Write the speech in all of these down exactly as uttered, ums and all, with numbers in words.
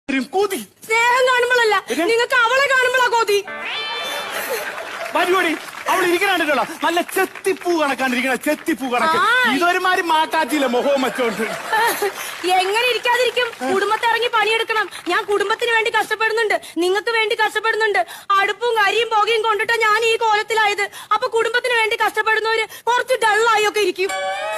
കൊതി സ്നേഹം കാണുമ്പോഴല്ല, നിങ്ങൾക്ക് അവളെ കാണുമ്പോഴാ കൊതി. പരിപാടി അവൾ ഇരിക്കണോ നല്ല ചെത്തിപ്പൂ കണക്കാണ്ടിരിക്കണ ചെത്തിപ്പൂ കണക്ക്. ഇതൊരുമാതിരി മാറ്റാറ്റില്ല മുഖവും വെച്ചോണ്ട്. എങ്ങനെ ഇരിക്കാതിരിക്കും? കുടുംബത്തെ ഇറങ്ങി പണിയെടുക്കണം. ഞാൻ കുടുംബത്തിന് വേണ്ടി കഷ്ടപ്പെടുന്നുണ്ട്, നിങ്ങൾക്ക് വേണ്ടി കഷ്ടപ്പെടുന്നുണ്ട്. അടുപ്പും കരിയും പുകയും കൊണ്ടിട്ടാ ഞാൻ ഈ കോലത്തിലായത്. അപ്പൊ കുടുംബത്തിന് വേണ്ടി കഷ്ടപ്പെടുന്നവര് കുറച്ച് ഡള്ളായി ഒക്കെ ഇരിക്കും.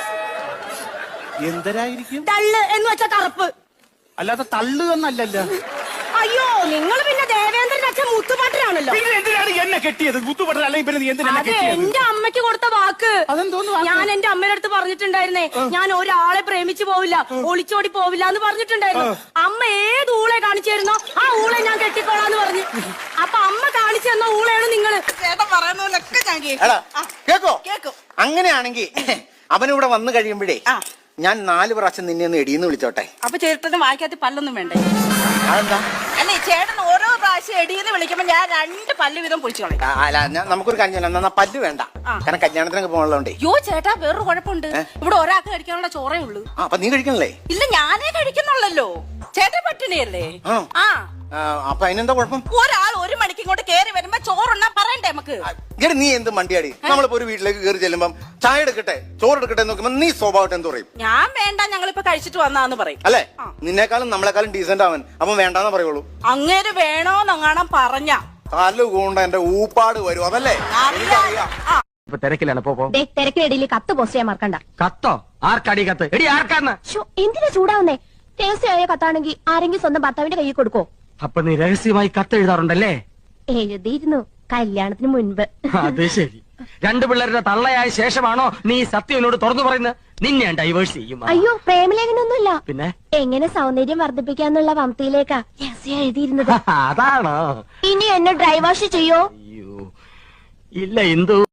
എന്തരായിരിക്കും? ഡള്ള് എന്ന് വെച്ചാ കറുപ്പ്, അല്ലാതെ തള്ളു എന്നല്ലല്ലോ. അയ്യോ, നിങ്ങൾ പിന്നെ ദേവേന്ദ്രൻ അച്ഛൻ മുത്തുപാട്ടനാണല്ലോ. എന്തിനാണ് എന്നെ കെട്ടിയത്? മുത്തുപാട്ടൻ അല്ലെങ്കിൽ പിന്നെ എന്തിനാ കെട്ടിയത്? എന്റെ അമ്മയ്ക്ക് കൊടുത്ത വാക്ക്. ഞാൻ എന്റെ അമ്മയുടെ അടുത്ത് പറഞ്ഞിട്ടുണ്ടായിരുന്നേ, ഞാൻ ഒരാളെ പ്രേമിച്ചു പോവില്ല, ഒളിച്ചോടി പോവില്ല എന്ന് പറഞ്ഞിട്ടുണ്ടായിരുന്നു. അമ്മ ഏത് ഊളെ കാണിച്ചായിരുന്നോ ആ ഊളെ ഞാൻ കെട്ടിക്കോളാന്ന് പറഞ്ഞു. അപ്പൊ അമ്മ കാണിച്ചു തന്ന ഊളയാണ് നിങ്ങള്. ചേട്ടൻ പറയുന്നതൊക്കെ ഞാൻ കേക്കോ കേക്കും. അങ്ങനെയാണെങ്കിൽ അവനിവിടെ വന്നു കഴിയുമ്പോഴേ ഞാൻ നാല് പ്രാവശ്യം നിന്നെ ഒന്ന് എടിയെന്ന് വിളിച്ചോട്ടെ. അപ്പൊ ചേട്ടന് വായിക്കാത്ത പല്ലൊന്നും വേണ്ടേ? അതെന്താ? അല്ലേ, ചേട്ടൻ ഓരോ പ്രാവശ്യം എടിയെന്ന് വിളിക്കുമ്പോ ഞാൻ രണ്ട് പല്ല് വീതം പൊളിച്ചു കളയും. അല്ല, നമുക്കൊരു കാര്യം ചെയ്യാം. എന്നാ പല്ല് വേണ്ട, കാരണം കല്യാണത്തിനൊക്കെ പോകാനുള്ളതുകൊണ്ടേ. യോ ചേട്ടാ, വേറൊരു കുഴപ്പമുണ്ട്. ഇവിടെ ഒരാൾക്ക് കഴിക്കാനുള്ള ചോറേ ഉള്ളൂ. അപ്പൊ നീ കഴിക്കണല്ലേ? ഇല്ല, ഞാനേ കഴിക്കുന്നുള്ളല്ലോ. ചേട്ടൻ പട്ടിണിയല്ലേ? ആ, അപ്പൊ അതിനെന്താ കുഴപ്പം? ഒരാൾ ഒരു മണിക്ക് ഇങ്ങോട്ട് കേറി വരുമ്പോ ചോറുണ്ണാ പറയണ്ടേ നമുക്ക്? ഇങ്ങനെ നീ എന്ത് മണ്ടിയാടി? നമ്മളിപ്പോ ഒരു വീട്ടിലേക്ക് കയറി ചെല്ലുമ്പം ചായ എടുക്കട്ടെ ചോറ് എടുക്കട്ടെ നോക്കുമ്പോ നീ സ്വഭാവം എന്ത് പറയും? ഞാൻ വേണ്ട, ഞങ്ങളിപ്പോ കഴിച്ചിട്ട് വന്നാന്ന് പറയും. അല്ലേ? നിന്നേക്കാളും നമ്മളെക്കാളും ഡീസന്റ് അവൻ, അവൻ വേണ്ടാന്ന് പറയുള്ളൂ. അങ്ങേര് വേണോന്നങ്ങാണം പറഞ്ഞ തല്ലുകൊണ്ട് എന്റെ ഊപ്പാട് വരും, അതല്ലേ? തിരക്കിലാണ്. തിരക്കിനിടയിൽ കത്ത് പോസ്റ്റ് ചെയ്യാൻ മറക്കണ്ട. കത്തോ? ആർക്കടി കത്ത്? എടി ആർക്കാന്ന്? എന്തിനാ ചൂടാവുന്നേ? രഹസ്യമായ കത്താണെങ്കിൽ ആരെങ്കിലും സ്വന്തം ഭർത്താവിന്റെ കയ്യിൽ കൊടുക്കോ? അപ്പൊ നീ രഹസ്യമായി കത്ത് എഴുതാറുണ്ടല്ലേ? എഴുതിയിരുന്നു, കല്യാണത്തിന് മുൻപ്. അത് ശരി. രണ്ടു പിള്ളേരുടെ തള്ളയായ ശേഷമാണോ നീ സത്യം എന്നോട് തുറന്നു പറയുന്നത്? നിന്നെ ഡൈവേഴ്സ് ചെയ്യും. അയ്യോ, പ്രേമലേഖനൊന്നുമില്ല. പിന്നെ എങ്ങനെ സൗന്ദര്യം വർദ്ധിപ്പിക്കാന്നുള്ള വംതിയിലേക്കാ രഹസ്യം എഴുതിയിരുന്നത്. അതാണോ? ഇനി എന്നെ ഡ്രൈവാഷ് ചെയ്യോ? അയ്യോ ഇല്ല, എന്തു